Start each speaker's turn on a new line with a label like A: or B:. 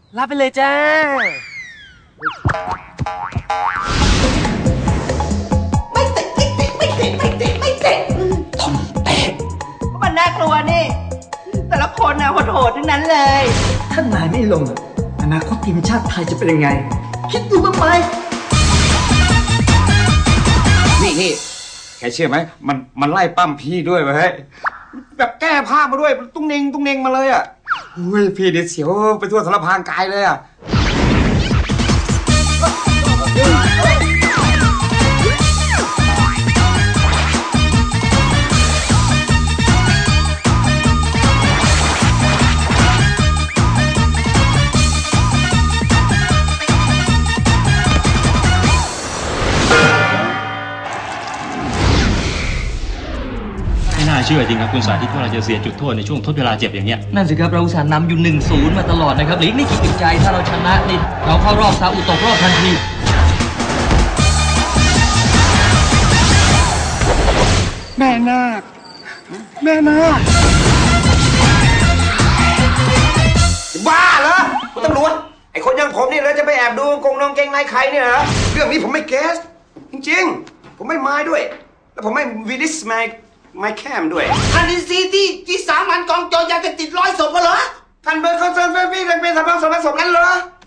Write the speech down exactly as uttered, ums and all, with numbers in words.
A: รับไปเลยจ้า
B: ไม่เตะไม่เตะไม่เตะไม่เตะไม่เตะทอมเตะมันน่ากลัวนี่แต่ละคนน่ะโหดๆทั้งนั้นเลยถ้านายไม่ลงอนาคตทีมชาติไทยจะเป็นยังไงคิดดูบ้างไหม
C: นี่นี่แกเชื่อไหมมันมันไล่ปั้มพี่ด้วยเว้ยแบบแก้ผ้ามาด้วยตุ้งเน่งตุ้งเน่งมาเลยอ่ะอุ้ยพี่เดี๋ยวเสียวไปทั่วสารพางกายเลยอ่ะ
D: ไม่น่าเชื่อจริงครับคุณสาธิตว่าเราจะเสียจุดโทษในช่วงทดเวลาเจ็บอย่างเงี้ย
E: นั่นสิครับเราอุตส่าห์นำอยู่หนึ่งศูนย์มาตลอดนะครับหลีกนี่คิดติดใจถ้าเราชนะนี่เราเข้ารอบซาอุตกรอบทันที
C: แม่นาคแม่นาคบ้าเหรอคุณตำรวจไอ้คนอย่างผมนี่เลยจะไปแอบดูกงนองเกงในใครเนี่ยเหรอเรื่องนี้ผมไม่เกสจริงๆผมไม่ไม้ด้วยแล้วผมไม่วิลิสไมไม่แคมด้วย
B: อันนี้ซีที่ที่สามัญกองโจรยาเสพติดร้อยศพเหรอ
C: ท่านเป็นคอนเซิร์นเฟรนด์พี่เป็นสำนักสำนักสงฆ์นั้นเหรอ